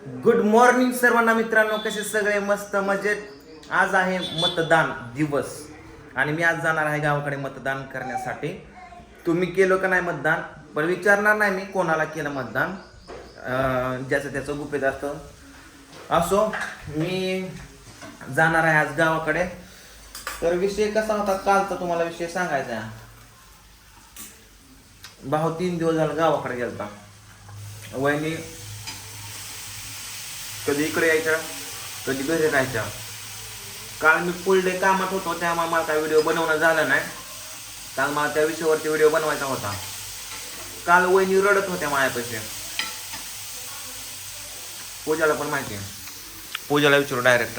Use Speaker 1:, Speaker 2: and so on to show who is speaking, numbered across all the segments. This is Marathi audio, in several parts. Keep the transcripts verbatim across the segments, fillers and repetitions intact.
Speaker 1: गुड मॉर्निंग सर्वांना मित्रांनो, कसे सगळे मस्त मजेत। आज आहे मतदान दिवस आणि मी आज जाणार आहे गावाकडे मतदान करण्यासाठी। तुम्ही केलं का नाही मतदान? पण विचारणार नाही मी कोणाला केलं मतदान, ज्याचं त्याचं गुपित असतं। असो, मी जाणार आहे आज गावाकडे। तर विषय कसा होता कालचा तुम्हाला विषय सांगायचा आहे। भाऊ तीन दिवस झाला गावाकडे गेलता। वहिनी कधी इकडे यायच्या कधी घरी राहायच्या। काल मी फुल डे कामात होतो त्यामुळे मला काय व्हिडिओ बनवणं झालं नाही। काल मला त्या विषयावरती व्हिडिओ बनवायचा होता। काल वहिनी रडत होत्या माझ्यापाशी। पूजाला पण माहिती आहे, पूजाला विचारू डायरेक्ट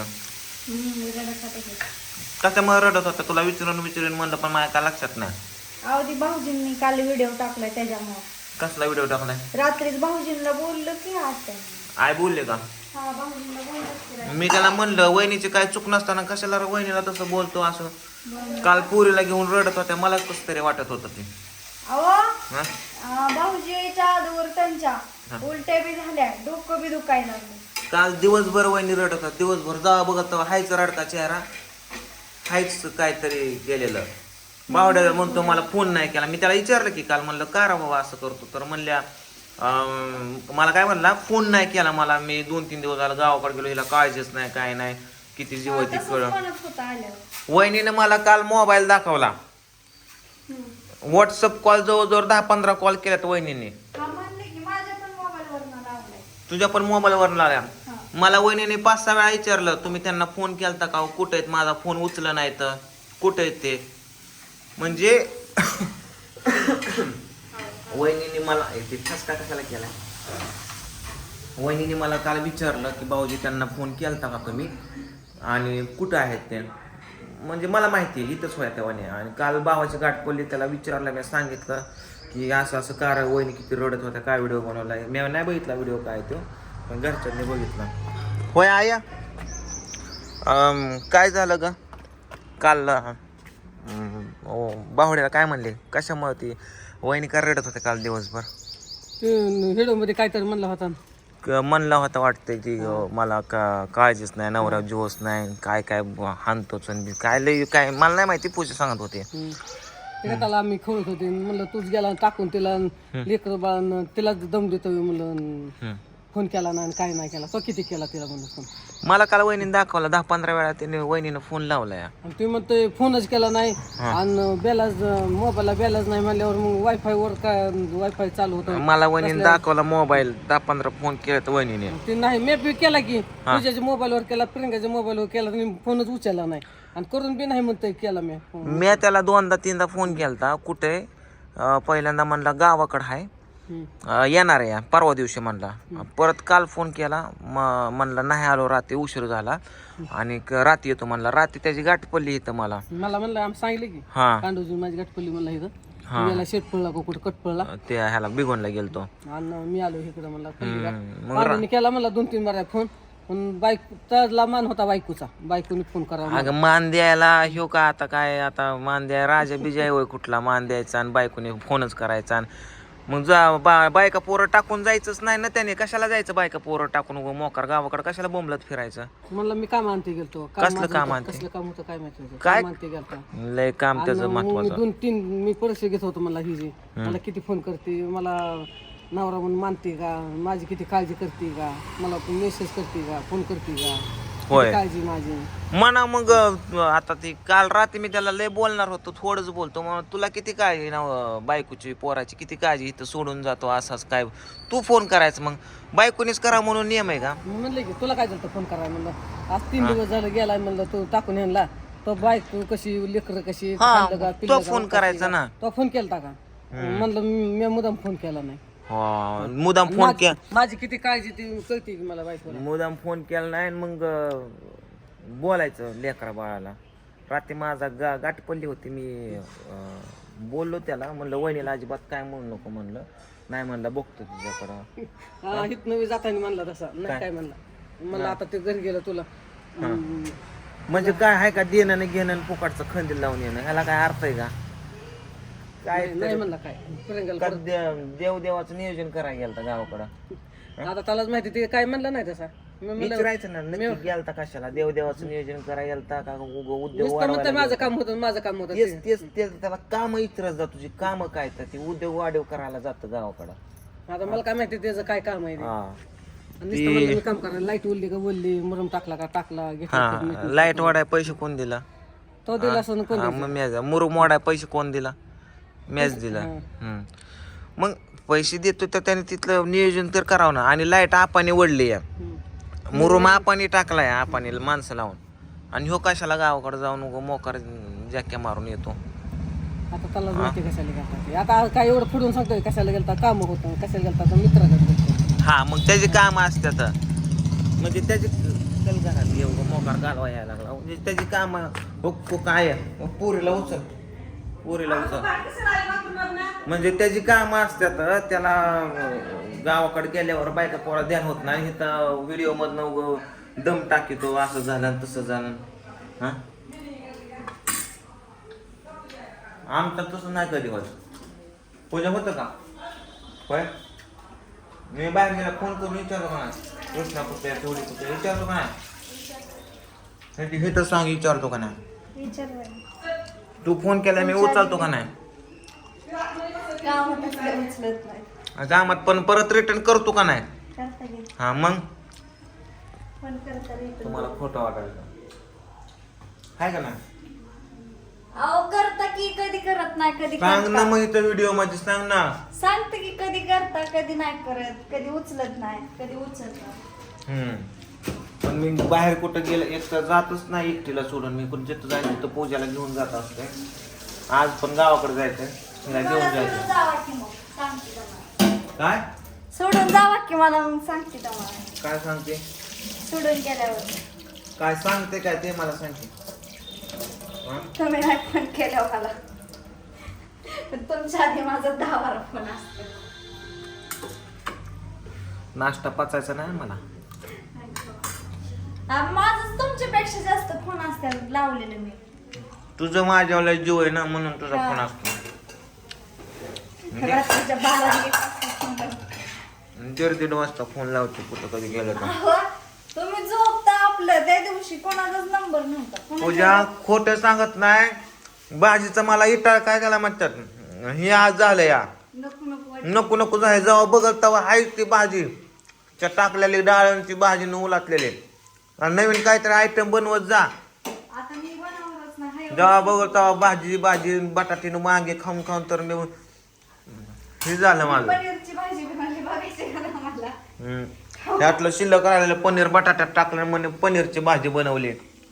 Speaker 1: कशामुळे रडत होता तुला विचारून विचारून म्हणलं, पण माझ्या काय लक्षात नाही।
Speaker 2: अहो ती भाऊजींनी काल व्हिडिओ टाकलाय त्याच्यामुळे।
Speaker 1: कसला व्हिडिओ टाकलाय?
Speaker 2: रात्रीच भाऊजींना बोललो की आज
Speaker 1: आय बोलले का?
Speaker 2: हा भाऊजींना बोललो की
Speaker 1: मी त्याला म्हणलं वहिनीची काय चूक नसताना कशाला वहिनीला तसं बोलतो असं। काल पुरीला घेऊन रडत होत्या, मलाच कसं तरी वाटत होतं ते।
Speaker 2: अहो भाऊजीच्या आजवर त्यांच्या उलट्या बी झाल्या, डोकं बी दुखायला लागलं।
Speaker 1: काल दिवसभर वहिनी रडत होता, दिवसभर जा बघत हायच रडका चेहरा, हायच काहीतरी गेलेलं। बावड्याला म्हणतो मला फोन नाही केला। मी त्याला विचारलं की काल म्हणलं का रा बाबा असं करतो, तर म्हणल्या मला काय म्हणला फोन नाही केला मला, मी दोन तीन दिवस झालं गावाकडे गेलो, हिला काळजीच नाही काय नाही, किती जीव ती कळ। वहिनीने मला काल मोबाईल दाखवला, व्हॉट्सअप कॉल जवळजवळ दहा पंधरा कॉल केल्यात वहिनीने। तुझ्या पण मोबाईल वर लावल्या। मला वहिनीने पाच सहा वेळा विचारलं तुम्ही त्यांना फोन केलता का, कुठे आहेत, माझा फोन उचला नाही तर कुठे आहेत ते। म्हणजे वहिनीने मला ते ठसका कशाला केला, वहिनीने मला काल विचारलं की भाऊजी त्यांना फोन केलता का तुम्ही आणि कुठं आहेत ते। म्हणजे मला माहिती आहे इथंच होया तेव्हा। आणि काल भावाची गाठ पडली, त्याला विचारलं, मी सांगितलं की असं असं कार वहिनी किती रडत होत्या, काय व्हिडिओ बनवला। मी नाही बघितला व्हिडिओ काय तो, पण घरच्यांनी बघितला। होय आया काय झालं ग काल? बाहुड्याला काय म्हणले कशामुळे ती वहिनी का रडत होते काल दिवसभर?
Speaker 3: व्हिडिओ मध्ये काहीतरी म्हणला होता,
Speaker 1: म्हणला होता वाटतंय की मला का काळजीच नाही, नवरा जोस नाही, काय काय हानतोच काय लय काय मला नाही माहिती, पूजा सांगत होते।
Speaker 3: त्याला आम्ही खेळत होते, म्हणलं तूच गेला टाकून तिला लेकर बाळ तिला दम देतो म्हणलं, फोन केला नाही काय नाही केला, तो किती केला तिला म्हणलं फोन।
Speaker 1: मला काल वहिनीने दाखवला दहा पंधरा वेळा त्याने वहिनीनं फोन लावलाय आणि
Speaker 3: तुम्ही म्हणतोय फोनच केला नाही आणि बॅलन्स मोबाईलला बॅलन्स नाही म्हणल्यावर मग वायफाय वर काय वायफाय चालू होतं।
Speaker 1: मला वहिनीने दाखवला मोबाईल, दहा पंधरा फोन केला वहिनीने।
Speaker 3: ते नाही मी बी केला की पूजाच्या मोबाईलवर केला, प्रियंकाच्या मोबाईलवर केला, तुम्ही फोनच उचलला नाही आणि करून बी नाही म्हणतोय केला मी।
Speaker 1: मी त्याला दोनदा तीनदा फोन केलता, कुठे पहिल्यांदा म्हणला गावाकडं आहे येणार आहे परवा दिवशी म्हणला, परत काल फोन केला म्हणला नाही आलो, रात्री उशीर झाला आणि रात्री येतो म्हणला। रात्री त्याची गाठ पडली इथं मला
Speaker 3: मला म्हणलं आम्ही सांगितलं की
Speaker 1: हा
Speaker 3: कांडूजी माझी गाठ पडली म्हणला इथं, याला शेट पडला का कुठं कट पडला,
Speaker 1: ते ह्याला बिघोनला गेलतो
Speaker 3: आणि मी आलो इकडं म्हणला केला म्हणला दोन तीन बारा फोन, पण बाईक त्याला मान होता बायकोचा, बायकोने फोन करा।
Speaker 1: अगं मान द्यायला ह्यो का आता काय, आता मान द्याय राजा बिजाय होय कुठला मान द्यायचा आणि बायकोने फोनच करायचा। मग जा बा बायका पोरं टाकून जायचंच नाही ना त्याने, कशाला जायचं बायका पोरं टाकून मोकार गावाकडे कशाला बोंबलत फिरायचं।
Speaker 3: म्हणलं मी काम आणते गेलतो,
Speaker 1: कसलं काम आणते,
Speaker 3: कसलं काम होतं काय माहिती,
Speaker 1: काय
Speaker 3: आणते गेलतो
Speaker 1: लय काम त्याचं महत्वाचं।
Speaker 3: दोन तीन मी परीक्षा घेत होतो मला हिजी, मला किती फोन करते, मला नवरा म्हणून मानते का, माझी किती काळजी करते का, मला मेसेज करते का, फोन करते का,
Speaker 1: होय
Speaker 3: काळजी माझी
Speaker 1: म्हणा। मग आता ती काल रात्री मी त्याला लय बोलणार होतो, थोडंच बोलतो मग तुला किती काळजी ना बायकोची पोराची किती काळजी, इथं सोडून जातो असंच काय तू फोन करायचं, मग बायकोनीच करा म्हणून नियम आहे का?
Speaker 3: म्हणलं की तुला काय झालं फोन करायला, म्हणलं आज तीन दिवस झालं गेला म्हणलं तू टाकून यांना, तो बायको कशी लेकर कशी
Speaker 1: तो फोन करायचा ना,
Speaker 3: तो फोन केलता का म्हणलं मी मुदाम फोन केला नाही,
Speaker 1: मुदाम फोन केला,
Speaker 3: माझी किती काळजी ती कळते मला बायको,
Speaker 1: मुदाम फोन केला नाही मग बोलायचं लेकरा बाळाला। रात्री माझा गा गाठ पडली होती, मी बोललो त्याला, म्हणलं वहिनीला अजिबात काय म्हणू नको, म्हणलं नाही म्हणलं बघतो तुझ्याकडं
Speaker 3: इथनं मी जाताना म्हणला तसा नाही काय म्हणला, म्हणलं आता ते घरी गेलं तुला
Speaker 1: म्हणजे काय आहे का देणं नाही घेणं फुकटचं खंदील लावून येणं, ह्याला काय अर्थ आहे का? काय
Speaker 3: नाही म्हणला काय
Speaker 1: देव देवाचं नियोजन करायला गेलं गावाकडं,
Speaker 3: आता त्यालाच माहिती ते काय म्हणलं नाही तसा मी म्हणलं
Speaker 1: विचारायचं ना नक्की गेलता कशाला देवदेवाचं नियोजन करायला गेलता का उग उद्योग
Speaker 3: नुसतं म्हणतं
Speaker 1: वाढवायला
Speaker 3: माझं काम होतं माझं काम होतं
Speaker 1: तेच तेच तेच त्याला काम इतरत जा तुझी काम काय तर ती उद्योग वाढीव करायला जातं गावाकडं
Speaker 3: आता मला काय माहिती त्याचं काय काम आहे ते.
Speaker 1: हा
Speaker 3: आणि नुसतं म्हणलं मी काम करायला लाईट उरली का बोलली मुरम टाकला का टाकला घेतला
Speaker 1: हा लाईट वाढाय पैसे कोण दिला
Speaker 3: तो दिला असं कोण
Speaker 1: हा मग मॅच मुरुम वाढाय पैसे कोण दिला मॅच दिला हम्म. मग पैसे देतो तर त्याने तिथलं नियोजन तर करावं ना आणि लाईट आपाने वडली या मुरुम आपाने टाकलाय आपाने माणसं लावून आणि ह्यो कशाला गावाकडे जाऊन उगं मोकार जॅक्या मारून येतो
Speaker 3: आता त्याला माहिती कशाला गेलता ते. आता काय एवढं फुडून सांगतोय कशाला गेलता काम होतं कशाला गेलता तर मित्राकडे गेलता.
Speaker 1: हा मग त्याचे काम असतात म्हणजे त्याचे चल घरात एवढं मोकार घालवा यायला लागला म्हणजे त्याची काम हो काय आहे? पुरीला उचल पुरीला उचल म्हणजे त्याची कामं असतात त्याला अं, गावाकडे गेल्यावर बायका पोरा ध्यान होत नाही इथं व्हिडिओ मधनं उगं दम टाकीतो असं झालं आणि तसं झालं हा आमचं तसं नाही कधी होत पूजा होतं का होय मी बाहेर गेला फोन करून विचारलो का नाही कृष्णा कुठे तेवढी कुठे विचारलो का नाही हे तर सांग विचारतो का नाही
Speaker 2: विचारलं
Speaker 1: तू फोन केला मी उचलतो का नाही
Speaker 2: कामातच काय उचलत नाही
Speaker 1: कामात पण परत रिटर्न करतो का नाही
Speaker 2: करता घे
Speaker 1: हा मग
Speaker 2: पण करता येतं.
Speaker 1: तुम्हाला खोटं वाटायचं आहे का नाही
Speaker 2: अहो करता की कधी करत नाही कधी
Speaker 1: सांग ना
Speaker 2: करता.
Speaker 1: मग इथं व्हिडिओ मध्ये सांग ना
Speaker 2: सांगते की कधी करता कधी नाही करत कधी उचलत नाही कधी उचलत
Speaker 1: हम्म पण मी बाहेर कुठं गेलं एक तर जातच नाही एकटीला सोडून मी कुठं जिथं जायचं तर पूजाला घेऊन जात असते आज पण गावाकडे जायचंय तिला घेऊन
Speaker 2: मला
Speaker 1: जायचं
Speaker 2: सोडून जावा की मग सांगते तुम्हाला
Speaker 1: काय
Speaker 2: सोडून जावा की मला मग सांगते तुम्हाला
Speaker 1: काय सांगते
Speaker 2: सोडून गेल्यावर
Speaker 1: काय सांगते काय ते मला सांगते हा?
Speaker 2: तुम्ही नाही फोन केल्यावर मला पण तुमच्या आधी माझा दहा बारा फोन असतो
Speaker 1: नाश्ता पचायचा नाही मला
Speaker 2: माझं तुमच्यापेक्षा जास्त फोन असतात लावलेले मी
Speaker 1: तुझं माझ्यावाला जीव आहे ना म्हणून तुझा
Speaker 2: हा.
Speaker 1: फोन असतो
Speaker 2: रात्रीच्या बारा एक वाजता phone लावते.
Speaker 1: दीड दीड वाजता फोन लावतो कुठं कधी गेलं तर
Speaker 2: अहो, तुम्ही झोपता आपलं त्या दिवशी कोणाचाच नंबर नव्हता कोणाचा-
Speaker 1: पूजा खोटं सांगत नाही भाजीचं मला इटाळ काय त्याला म्हणतात हे आज झालं या
Speaker 2: नको नको वाट-
Speaker 1: नको नको जाय जेव्हा बघत तेव्हा आहे ती भाजी त्या टाकलेली डाळांची भाजी न उलाटलेली आणि नवीन काहीतरी आयटम बनवत जा
Speaker 2: आता मी बनवणारच नाही
Speaker 1: जेव्हा बघत तेव्हा भाजी भाजी बटाटीनं वांगे खाऊन खाऊन तर मी हे झालं माझं
Speaker 2: पनीरची भाजी बनवली बघायची का ना मला
Speaker 1: हम्म. त्यातलं शिल्लक राहिलेलं पनीर बटाट्यात टाकलं म्हणे पनीरची भाजी बनवली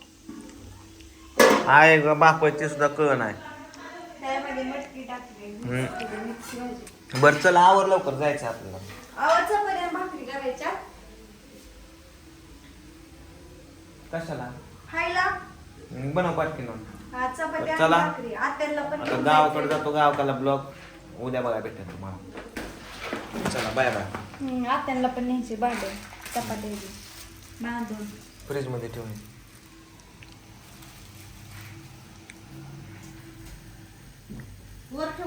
Speaker 1: आहे ग बापाची सुद्धा कळ नाही
Speaker 2: त्यामध्ये मटकी टाकली
Speaker 1: हम्म.
Speaker 2: मिक्स भाजी
Speaker 1: बरं चला आवर लवकर जायचं आपल्याला
Speaker 2: आवाजचा पर्यंत भाकरी करायच्या
Speaker 1: कशाला
Speaker 2: खायला
Speaker 1: बनव पाटकीनं
Speaker 2: हा, चपाती आणि
Speaker 1: चला.
Speaker 2: भाकरी आत्याला पण
Speaker 1: आता
Speaker 2: घेऊन
Speaker 1: गावाकडे
Speaker 2: जायचंय.
Speaker 1: जातो गावाकडला ब्लॉग उद्या बघा भेटेल तुम्हाला चला बाय बाय
Speaker 2: हम्म, आत्याला पण न्यायची भांडे चपाती बांधून
Speaker 1: फ्रीज मध्ये ठेवून
Speaker 2: वर ठेव.